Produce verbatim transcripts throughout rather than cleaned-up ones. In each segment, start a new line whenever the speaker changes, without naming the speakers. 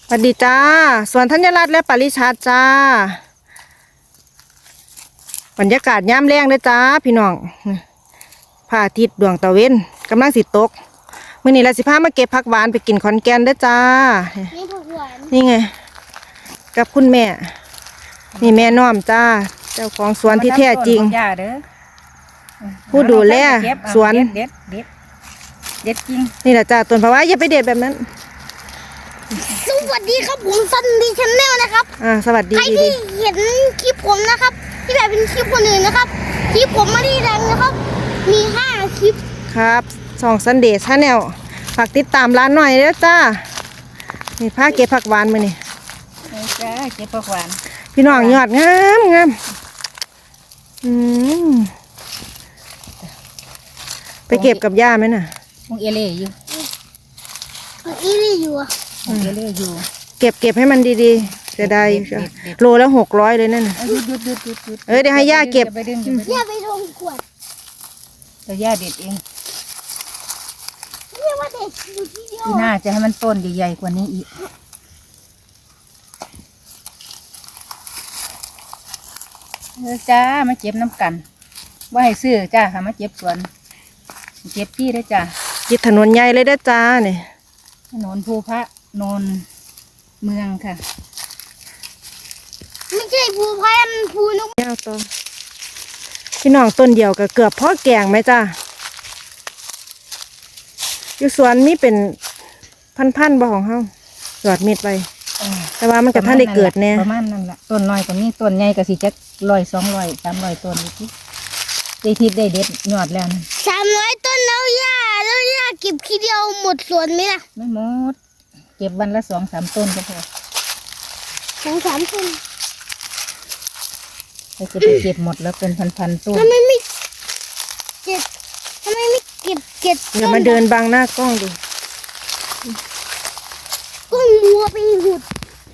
สวัสดีจ้าสวนธัญรัตน์และปริชาติจ้าบรรยากาศย่ำแรงเลยจ้าพี่น้องพระอาทิตย์ดวงตะเวนกำลังสิตกมื้อนี้เราสิพามาเก็บผักหวานไปกินขอนแก่นเด้อจ้า
นี่ผักหวาน
นี่ไงกับคุณแม่นี่แม่น้อมจ้าเจ้าของสวนที่แท้จริงผู้ดูแลสวน
เด็ดเด็ดเด็ดจริง
นี่แหละจ้าต้นผักหวานอย่าไปเด็ดแบบนั้น
สวัสดีครับผมซันดีชาแนลนะครับ
อ่าสวัสดี
ใครที่เห็นคลิปผมนะครับที่แบบเป็นคลิปคนอื่นนะครับคลิปผมไม่ได้ดังนะครับมีห้าคลิป
ครับสองซันเดย์ชาแนลฝากติดตามร้านหน่อยเด้อจ้านี่ผ้าเก็บผักหวานมานี่
จ้าเก็บผักหวาน
พี่น้องยอดงามงามอืมไปเก็บกับย่าไหมน่ะ
มึงเอเล่อยู่
อีนี่อยู่อ่ะ
มึงเอเล่อยู่
เก็บเก็บให้มันดีๆจะได้โลแล้วหกร้อยเลยนั่นน่ะ
หยุดหยุดหยุดหยุดหยุด
เอ้ยเดี๋ยวให้ย่าเก็บ
ย่าไปลงขวด
เดี๋ยวย่าเด็ดเอง
เรียกว่าเด็ดอยู่ที่เดียว
ที่น่าจะให้มันต้นใหญ่ๆกว่านี้อีกเออจ้ามาเก็บน้ำกันว่าให้ซื้อจ้าค่ะมาเก็บสวนเก็บที่ได้จ้า
ยึดถนนใหญ่เลยเด้อจ้าเนี่ย
ถนนภูพระนนเมืองค่ะ
ไม่ใช่ภูพันภูนก
แก้วต้นพี่น้องต้นเดียวก็เกือบพ่อแกงไหมจ้าอยู่สวนนี่เป็นพันๆบ่ของเฮาหยอดมิดไปแต่ว่ามันกับท่านได้เกิดแน่
ประมาณนั้นแหละต้นน้อยกว่านี้ต้นใหญ่ก็สิจักร้อยสองร้อยสามร้อยต้นอีกทีได้ทิศได้เด็ดยอดแล้วนะ
สามร้อยต้นแล้วย่าแล้วย่าเก็บทีเดียวหมดสวนไหมล่ะ
ไม่หมดเก็บวันละสองสามต้นก็พอ
สองสามต้น
เราจะไปเก็บหมดแล้วเป็นพันๆต้น
ทำไมไม่เก็บทำไมไม่เก็บเก็บ
เดี๋ยวมาเดินบังหน้ากล้องดู
ก้องมัวไปหุด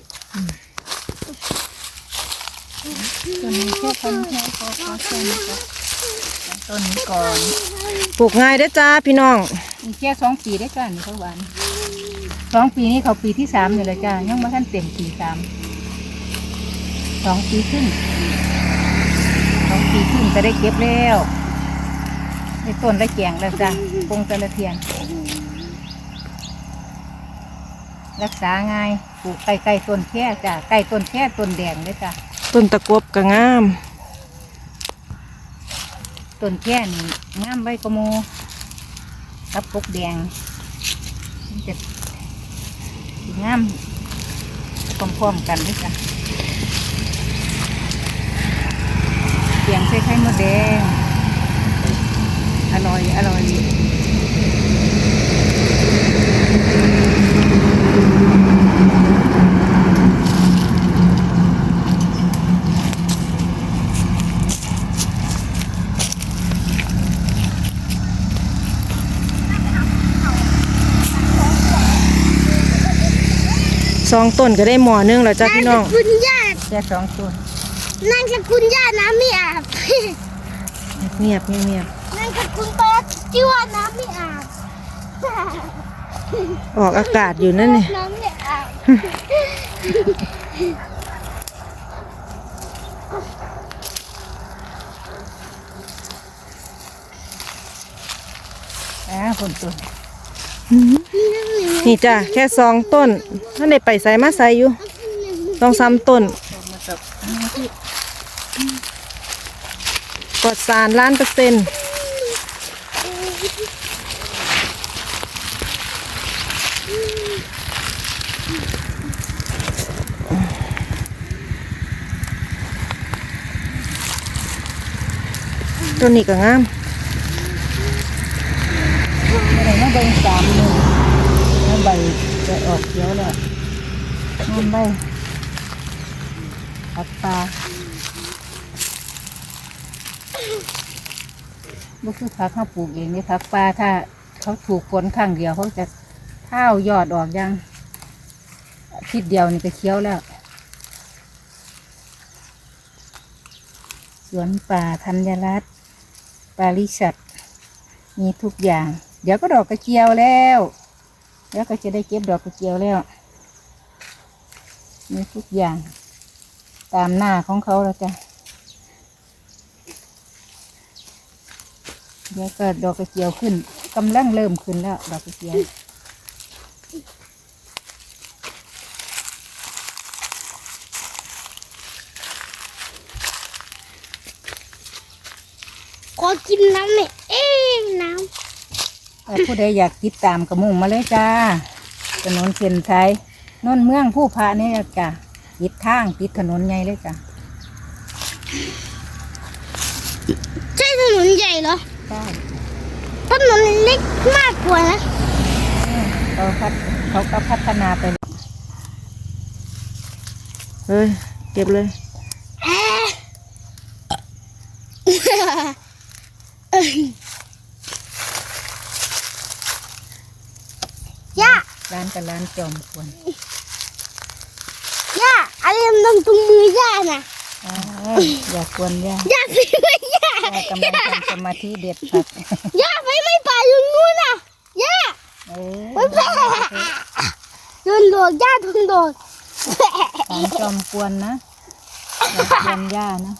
ต้นนี้แค่ต้นแค่ต้นต้นต้นนี้ก่อน
ปลูกง่ายเด้อจ้าพี่น้อง
มีแค่สองปีได้จ้านี่เขาหวานสองปีนี้เขาปีที่สามอยู่เลยจ้ายังไม่ทันเต็มปีสามสองปีครึ่งสองปีครึ่งจะได้เก็บแล้วในต้นได้แกงแล้วจ้าปงตะละเทียนรักษาง่ายปลูกใกล้ๆต้นแค่จ้าใกล้ต้นแค่ต้นแดงเลยจ้า
ต้นตะกบก็งาม
ต้นแค่นี่งามใบกระโมกับปกแดงจะงามพร้อมๆกันด้วยจ้ะเสียงใส่ไข่มดแดงอร่อยอร่อย
สองต้นก็ได้หม้อนึงแล้วจ้าพี่น้อง
คุณย่า
แค่สองต้น
นั่งกับคุณย่าน้ำไม่อาบ
เงียบเงียบ
นั่งกับคุณป้าที่ว่าน้ำไม่อาบ
ออกอากาศอยู่นั่นนี่
น้ำไม่อาบ
อ่าคนต้น
นี่จ้ะแค่สองต้นถ้าในไปใส่มาใส่อยู่ต้องซ้ำต้นปลอดสารล้านเปอร์เซ็นต์ต้นนี้ก็งาม
อะไรนะใบสามหนึ่งแล้วใบจะออกเขียวแล้วน้ำใบผักปลาบุคือผักเขาปลูกเองนี่ผักปลาถ้าเขาถูกฝนข้างเดียวเขาจะเท้ายอดออกยังทิศเดียวนี่ก็เขียวแล้วสวนป่าธัญรัตน์ปาริชัดมีทุกอย่างเดี๋ยวก็ดอกกระเจียวแล้วแล้วก็จะได้เก็บดอกกระเจียวแล้วมีทุกอย่าง ตามหน้าของเขาแล้วจ้ะเดี๋ยวก็ดอกกระเจียวขึ้นกำลังเริ่มขึ้นแล้วดอกกระเจียว
ขอกินน้ำหน่อยเอ๊ะน้
ถ้าผู้ใดอยากติดตามกระมุ่งมาเลยจ้าถนนเส้นชัยนนเมืองผู้พานี่จ้ะติดทางติดถนนใหญ่เลยจ้ะ
ำใช่ถนนใหญ่เหรอ
ใช่
ถนนเล็กมากกว่านะ
เขาพัฒเขาก็พัฒนาไป
เฮ้ยเก็บเลย
เอ๊ะย่า
ร้านกับร้านจอมควร
ย่าอะไรมันตรงมือย่าน่ะ
อ้าวอย่าควรย่า
ย่าไปไม่ย่า
ย่ากำลังทำสมาธิเด็ดผัก
ย่าไปไม่ป่าอยู่นู้นน่ะย่า
เออ
ไปแพ้โดนโดดย่าโดนโดด
ร้านจอมควรนะอย่าควรย่านะ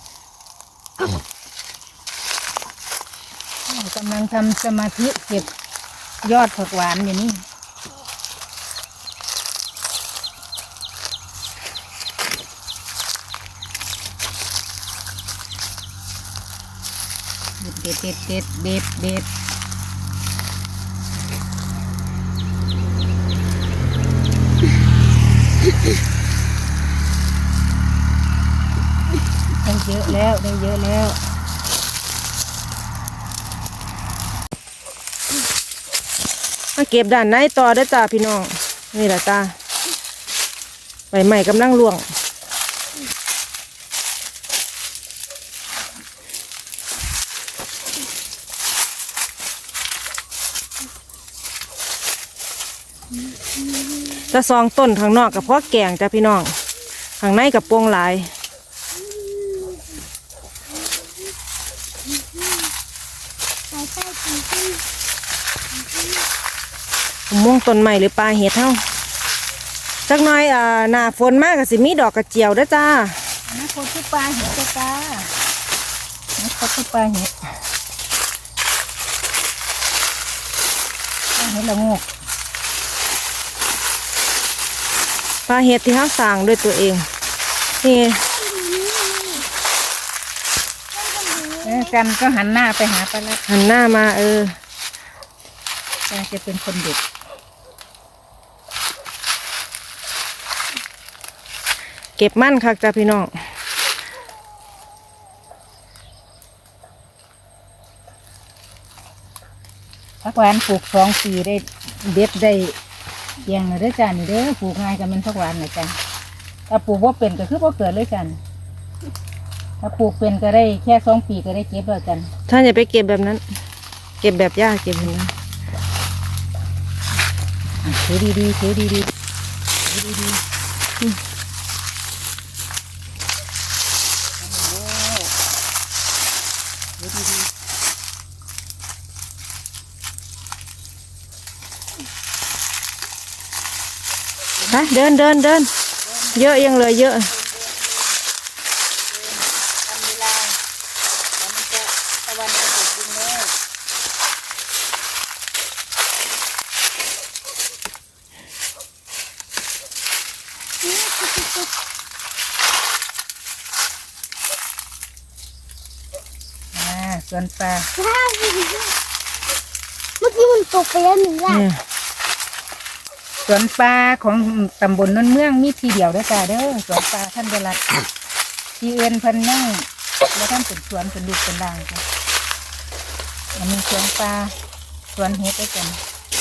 กำลังทำสมาธิเก็บยอดผักหวานอยู่นี่เด็ดเด็ดเด็ดเด็ดเด็ดได้เยอะแล้วได้เยอะแล้ว
มาเก็บด้านในต่อเด้อจ้าพี่น้องนี่แหละจ้าใบใหม่กำลังร่วงจะซองต้นข้างนอกกับพ่อแกงจ้าพี่น้องข้างในกับโปงหลายผมม่วงต้นใหม่หรือปลาเห็ดเท่าจักหน้อยอ่าหน้าฝนมากกับสิมีดอกกระเจียวเด้อจ้า
นี่คนที่ปลาเห็ดจ้าจ้านี่คนที่ปลาเห็ดปลาเห็ดละโงก
ปลาเห็ดที่เขาสั่งด้วยตัวเองนี่
เออกันก็หันหน้าไปหาปลาละ
หันหน้ามาเออ
ปลาจะเป็นคนเด็ด
เก็บมั่นคักจ้าพี่น้อง
ผักหวานปลูกสองปีได้เด็ดได้เพียงเลยเด้อจ้านี่เด้อปลูกง่ายกันเป็นผักหวานนะจ้าถ้าปลูกว่าเป็นก็คือว่าเกิดเลยจ้าถ้าปลูกเป็นก็ได้แค่สองปีก็ได้เก็บแล้วจ้า
ท่านอย่าไปเก็บแบบนั้น เก็บแบบยากเก็บแบบนั้น
ถือดีๆถือดีๆถือดีๆ
ฮะเดินเดินเดินเยอะยังเหลือเยอะ
ทำเวลาแล้วมันจะตะวันจะตกดินแล้วอ่าสวนปลา
ว้าวเมื่อกี้มันตกไปแล้วหนึ่งย่า
เนี่ย
สวนปลาของตำบลนนเมืองมีทีเดียวเด้อจ้าเด้อสวนปลาท่านเดรัตที่เอื้อนเพันนั่งแล้วท่านเป็นสวนเป็นลูกเป็นร่างจ้ะอันนี้สวนปลาสวนเฮ็ดด้วยกัน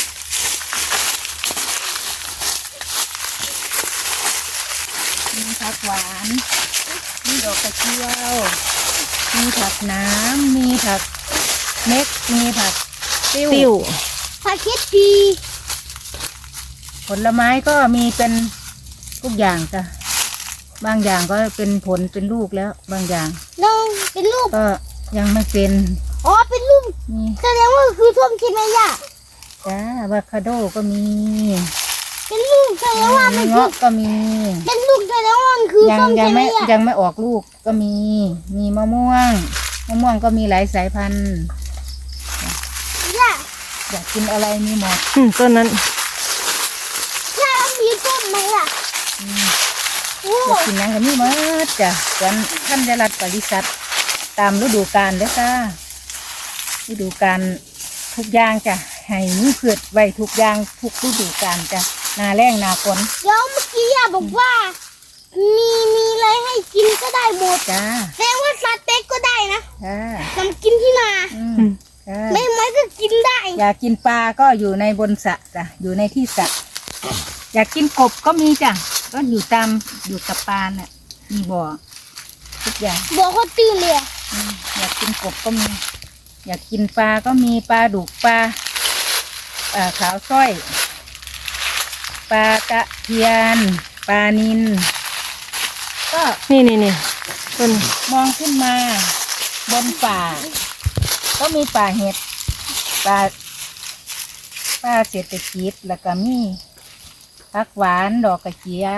มีผักหวานมีดอกกระเจียวมีผักน้ำมีผักเม็กมีผักติ้ว
ติ้ว
พาคิดปี
ผลไม้ก็มีเป็นทุกอย่างจ้ะบางอย่างก็เป็นผลเป็นลูกแล้ว บางอย่าง
น้องเป็นรูป
ก็ยังไม่เป็น
อ๋อเป็นรูป
นี่
แสดงว่าคือท่วมใช่ไหมย่า
จ้าอะโวคาโดก็มี
เป็นลูกแสดงว่ามันคือ
เงาะก็มี
เป็นลูกแสดงว่ามันคือ
ยัง
ส้ม
ยัง
ใช่ไหม
ไม่
อ่ะ
ยังไม่ออกลูกก็มี มีมะม่วงมะม่วงก็มีหลายสายพันธุ์
ย่า
อยากกินอะไรมีหมด
อืมต้นนั้น
ย่ามีต้นไหมล่ะ
อืม
โอ้
อยากกินหยังก็มีหมดจ้ะสวนท่านจรัสปริษัทตามฤดูกาลเด้อจ้าฤดูกาลทุกอย่างจ้ะให้มีพืชไว้ทุกอย่างทุกฤดูกาลจ้ะหนาแรงหนาฝน
เดี๋ยวเมื่อกี้ย่าบอกว่า มีมีอะไรให้กินก็ได้หมด
จ้า
แสดงว่าสเต็กก็ได้นะ
จ้า
ทำกินที่นา
อืม
อืม
จ้า
ไม่ไม่ก็กินได้
อยากกินปลาก็อยู่ในบนสระจ้ะอยู่ในที่สระอยากกินกบก็มีจ้ะก็อยู่ตามอยู่กับปลาน่ะมีบ่อทุกอย่าง
บอกเขาตื่นเลยอะ
อืมอยากกินกบก็มี อยากกินปลาก็มีปลาดุกปลาอ่าขาวสร้อยปลาตะเพียนปลานิลก็
นี่นี่นี่ต้น
มองขึ้นมาบนป่า ก็มีป่าเห็ดป่าป่าเศรษฐกิจแล้วก็มีผักหวานดอกกระเจียว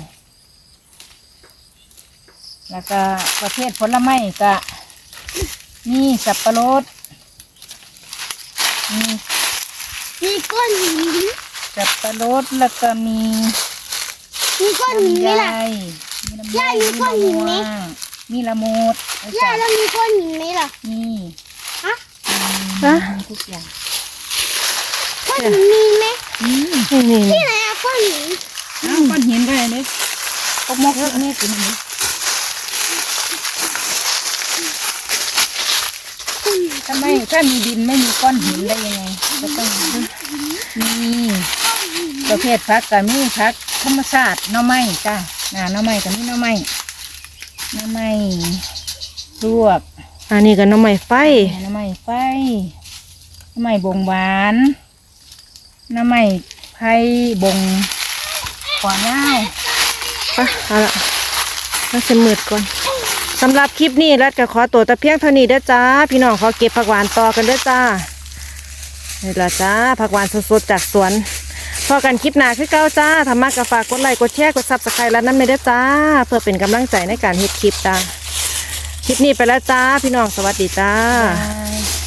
แล้วก็ประเภทผลไม้ก็มีสับปะรดมี
มีก้อนหิน
สับปะรดแล้วก็มี
มีก้อนหินไหม
ลำไย
ล่ะ
มีลำไย
ย่ามีก้อนหินไหม
มีละมุดนะ
ย่า
จ๊ะ
แล้วมีก้อนหินไหมล่ะ
มี
ฮะ
นะ
มีทุกอย่าง
ก้อนหินมีไหม
อืม
นี่นี่นี่
ที่ไหนอะก้อนหิน
น้ำก้อนหินก็ได้เนี่ยพวกมกพวกนี้กินนี่ทำไมถ้ามีดินไม่มีก้อนหินได้ยังไงก็ต้องมีประเภทผักก็มีผักธรรมชาติหน่อไม้จ้าหน่าหน่อไม้ก็มีหน่อไม้หน่อไม้ลวก
อันนี้ก็น้ำใหม่ไฟ
หน่อไม้ไฟหน่อไม้บงหวานหน่อไม้ไผ่บงขวานาว
ไปเอาละแล้วจะมืดก่อนสำหรับคลิปนี้รัดก็ขอตัวแต่เพียงเท่านี้เด้อจ้า พี่น้องขอเก็บผักหวานต่อกันเด้อจ้านี่ละจ้าผักหวานสดๆจากสวนพอกันคลิปหน้าคือเก้าจ้าทำมากก็ฝากกดไลค์กดแชร์กดซับสไครต์แล้วนั่นไม่ได้อจ้า เพื่อเป็นกำลังใจในการเฮ็ดคลิปจ้าคลิปนี้ไปแล้วจ้า พี่น้องสวัสดีจ้า
Bye.